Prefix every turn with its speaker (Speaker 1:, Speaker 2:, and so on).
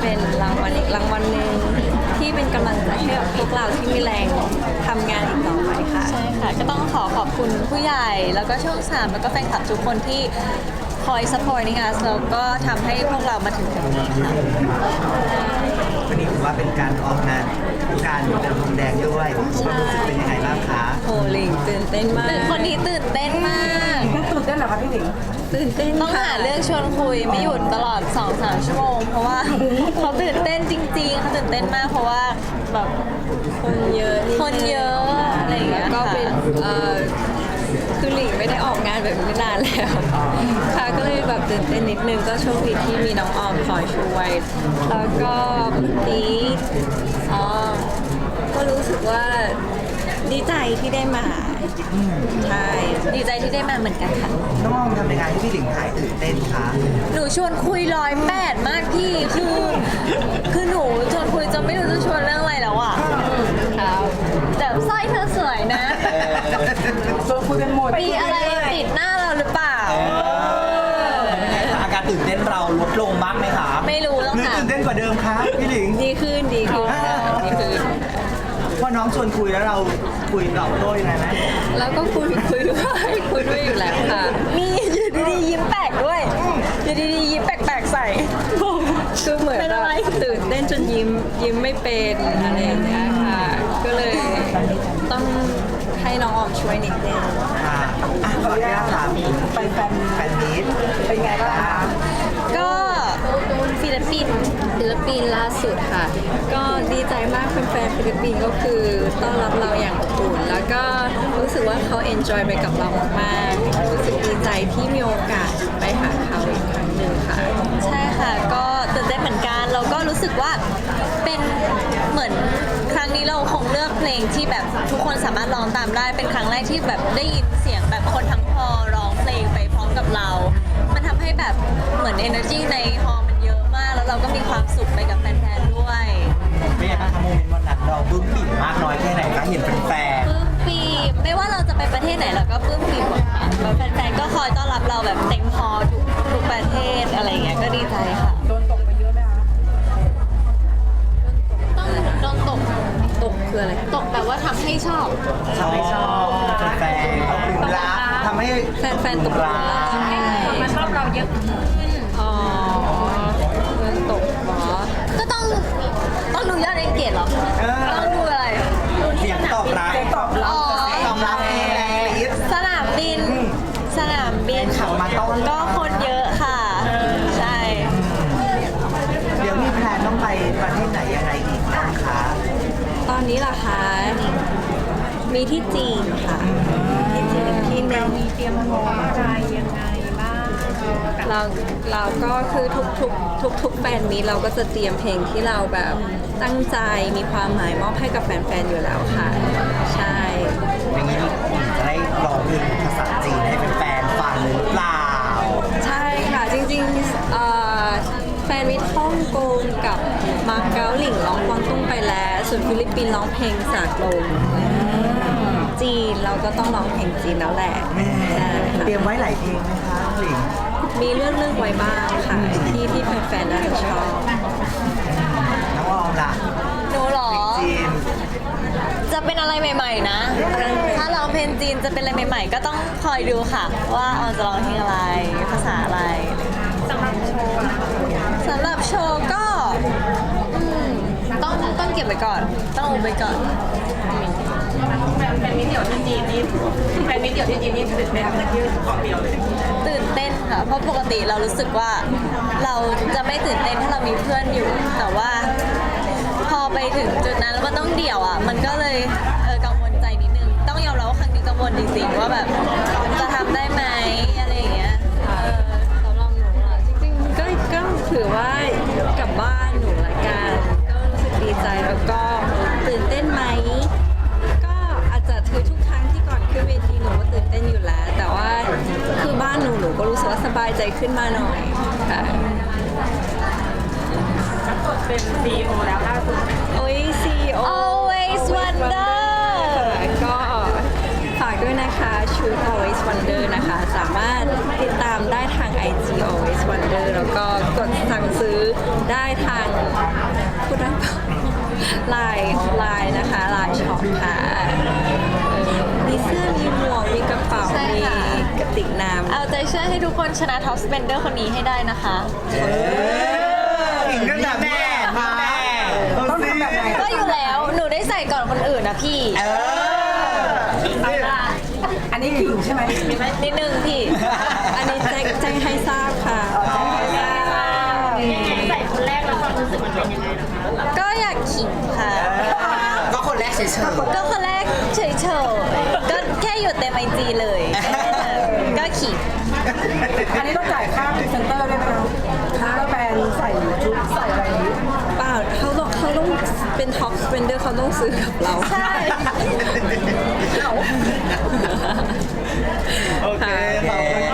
Speaker 1: เป็นรางวัลอีกรางวัลหนึ่งที่เป็นกำลังใจให้กับพวกเราที่มีแรงทำงานอีกต่อไปค่ะใช่ค่ะก็ต้องขอบคุณผู้ใหญ่แล้วก็ช่อง3แล้วก็แฟนคลับทุกคนที่คอย supporting us แล้วก็ทำให้พวกเรามาถึงตรงนี้ค่ะ
Speaker 2: วันนี้ถือว่าเป็นการออกงานการเดินพรมแดงด้วยความรู้สึกเป็นยังไงบ้างคะ
Speaker 1: โหลิงตื่นเต้นมากคนนี้ตื่นเต้นมาก
Speaker 2: ตื่นเต้นเหรอคะพี่หลิง
Speaker 1: ตื่นเต้นต้องหาเรื่องชวนคุยไม่หยุดตลอด 2-3 ชั่วโมงเพราะว่าเขาตื่นเต้นจริงๆเขาตื่นเต้นมากเพราะว่าแบบคนเยอะอะไรอย่างเงี้ยก็เป็นคือหลิงไม่ได้ออกงานแบบนี้นานแล้วค่ะก็เลยแบบตื่นเต้นนิดนึงก็โชคดีที่มีน้องออมคอยช่วยแล้วก็นี้ก็รู้สึกว่าดีใจที่ได้มาใช่ดีใจที่ได้มาเหมือนกันค่ะ
Speaker 2: น้องออมทำยังไงให้พี่หลิงหายตื่นเต้นคะ
Speaker 1: หนูชวนคุย108มากพี่คือหนูชวนคุยจนไม่รู้จะชวนเรื่องอะไรแล้วอ่ะครับแต่สร้อยเธอสวยนะ
Speaker 2: ชวนคุยกันหมด
Speaker 1: มีอะไรติดหน้าเราหรือเปล่า
Speaker 2: อาการตื่นเต้นเราลดลงบ้างไหมคะ
Speaker 1: ไม่รู้แล้วค่ะ
Speaker 2: ตื่นเต้นกว่าเดิมคะพี่หลิง
Speaker 1: ดีขึ้น
Speaker 2: พอน้องชวนคุยแล้วเราคุยตอบโต้ยังไงไหม
Speaker 1: แล้วก็คุยด้วยอยู่แล้วค่ะมีอยู่ดีๆยิ้มแปลกด้วยอยู่ดีๆยิ้มแปลกๆใส่คือเหมือนแบบตื่นเต้นจนยิ้มไม่เป็นอะไรอย่างเงี้ยค่ะก็เลยต้องให้น้องออมช่วยนิดนึง
Speaker 2: ค่ะขออนุญาตถามไปแฟนมีตเป็นไงบ้างคะ
Speaker 1: ก็ฟิลิปปินส์ล่าสุดค่ะก็ดีใจมากแฟนๆฟิลิปปินส์ก็คือต้อนรับเราอย่างอบอุ่นแล้วก็รู้สึกว่าเขาเอนจอยไปกับเรามากๆรู้สึกดีใจที่มีโอกาสไปหาเขาอีกครั้งหนึ่งค่ะใช่ค่ะก็ตื่นเต้นเหมือนกันเราก็รู้สึกว่าเป็นเหมือนครั้งนี้เราคงเลือกเพลงที่แบบทุกคนสามารถร้องตามได้เป็นครั้งแรกที่แบบได้ยินเสียงแบบคนทั้งฮอลล์ร้องเพลงไปพร้อมกับเรามันทำให้แบบเหมือน energy ในฮอลล์มันเยอะมากแล้วเราก็มีความสุขไปกับแฟนๆด้วย
Speaker 2: เป็นไงบ้างคะโมเมนต์วันนั้นเราปลื้มปิ่มมากน้อยแค่ไหนคะเห็นเป็นแฟน
Speaker 1: ปลื้มปิ่มไม่ว่าเราจะไปประเทศไหนเราก็ปลื้มปิ่มหมดค่ะแฟนๆก็คอยต้อนรับเราแบบเต็มฮอลล์ทุกประเทศอะไรเงี้ยก็ดีใจค่ะ
Speaker 2: โดนตกไปเยอะไหมคะ
Speaker 1: โดนตกคืออะไรตกแบบว่าทำให้ชอบ
Speaker 2: แฟนเขาปลื้มรักทำให้
Speaker 1: แฟนตกรัก
Speaker 3: มาชอบเราเยอะ
Speaker 1: อ๋อโดนตกเหรอก็ต้องดูยอดเอนเกจเหรอต้องดูอะไร
Speaker 2: เสียงตอบรับ
Speaker 1: สนามบิน
Speaker 2: ขับมาต้อน
Speaker 1: ก็คนเยอะค่ะใช่
Speaker 2: เดี๋ยวมีแพลนต้องไปประเทศไหนยังไงอีกบ้างคะ
Speaker 1: ตอนนี้ล่ะคะมีที่จีนค่ะที่จีนอีกที่นึง
Speaker 3: มีเตรียมพร้อมใจยังไงบ้าง
Speaker 1: เราก็คือทุกแฟนมีเราก็จะเตรียมเพลงที่เราแบบตั้งใจมีความหมายมอบให้กับแฟนๆอยู่แล้วค่ะใช่
Speaker 2: อย่างนี้จะได้ร้องเพลงภาษาจีนให้แฟนๆฟังหรือเปล่า
Speaker 1: ใช่ค่ะจริงๆแฟนมิตรฮ่องกงกับมาเก๊าหลิงร้องกวางตุ้งไปแล้วส่วนฟิลิปปินส์ร้องเพลงสากลจีนเราก็ต้องร้องเพลงจีนแล้วแหละ
Speaker 2: เตรียมไว้หลายเพลงไหมคะหลิง
Speaker 1: มีเลือกไว้บ้างค่ะที่แฟนๆน่าจะชอบ
Speaker 2: น้องออมล่ะ
Speaker 1: หนูหรอ
Speaker 2: จีน
Speaker 1: จะเป็นอะไรใหม่ๆนะถ้าร้องเพลงจีนจะเป็นอะไรใหม่ๆก็ต้องคอยดูค่ะว่าออนจะร้องเพลงอะไรภาษาอะไร
Speaker 3: สำหรับโช
Speaker 1: ว์ก็ต้องเก็บไว้ก่อนต้องอุบไว้ก่อน
Speaker 3: แฟนมิตรเดี่ยวที่จีนนี่ตื่นเต้นที่เกาะเดียวเลย
Speaker 1: ตื่นเต้นค่ะเพราะปกติเรารู้สึกว่าเราจะไม่ตื่นเต้นถ้าเรามีเพื่อนอยู่แต่ว่าพอไปถึงจุดนั้นแล้วมันต้องเดี่ยวอ่ะมันก็เลยกังวลใจนิดนึงต้องยอมรับว่าครั้งนี้กังวลจริงๆว่าแบบจะทำได้ไหมอะไรอย่างเงี้ยสำหรับหนูอ่ะจริงๆก็ถือว่ากลับบ้านหนูละกันก็รู้สึกดีใจแล้วก็ตื่นเต้นไหมก็อาจจะคือทุกครั้งที่ก่อนขึ้นเวทีหนูก็ตื่นเต้นอยู่แล้วแต่ว่าคือบ้านหนูก็รู้สึกว่าสบายใจขึ้นมาหน่อยค่ะ
Speaker 3: เป็น CEO แล้วล่าสุด
Speaker 1: โอ้ย CEO Always Wonder ก็ฝากด้วยนะคะชุด Always Wonder นะคะสามารถติดตามได้ทาง IG Always Wonder แล้วก็กดสั่งซื้อได้ทางลายนะคะลายช็อปค่ะมีเสื้อมีหมวกมีกระเป๋า
Speaker 4: ใช่
Speaker 1: มี
Speaker 4: ค่ะ
Speaker 1: กระติกน้ำ
Speaker 4: เอาใจช่วยให้ทุกคนชนะท็อปสเปนเดอร์คนนี้ให้ได้นะคะ
Speaker 2: ถึงขนาดแม่ต้องทำแบบไหน
Speaker 4: ก็อยู่แล้วหนูได้ใส่ก่อนคนอื่นนะพี่
Speaker 3: อันนี้ขิงใช่ไหม
Speaker 4: นิดนึงพี่
Speaker 1: อันนี้แจ้งให้ทราบค่ะแจ้งให้ทราบ
Speaker 3: ใส่คนแรกแล้วความรู้สึกมันเป็นยังไงนะคะ
Speaker 4: ก็อยากขิงค่ะ
Speaker 2: ก็คนแรกเฉย
Speaker 4: ก็คนแรกเฉยๆก็แค่อยู่เต็มไอจีเลย ก็ขิง
Speaker 3: อันนี้ต้องจ่ายค่าพรีเซนเตอร์ด้วยไหมคะค่าแบรนด์ใส่ชุดใส่อะไรนี้
Speaker 1: เปล่าเขาต้องเป็นท็อปสเปนเดอร์เขาต้องซื้อกับเรา
Speaker 4: ใช่
Speaker 2: โอเคขอบคุณ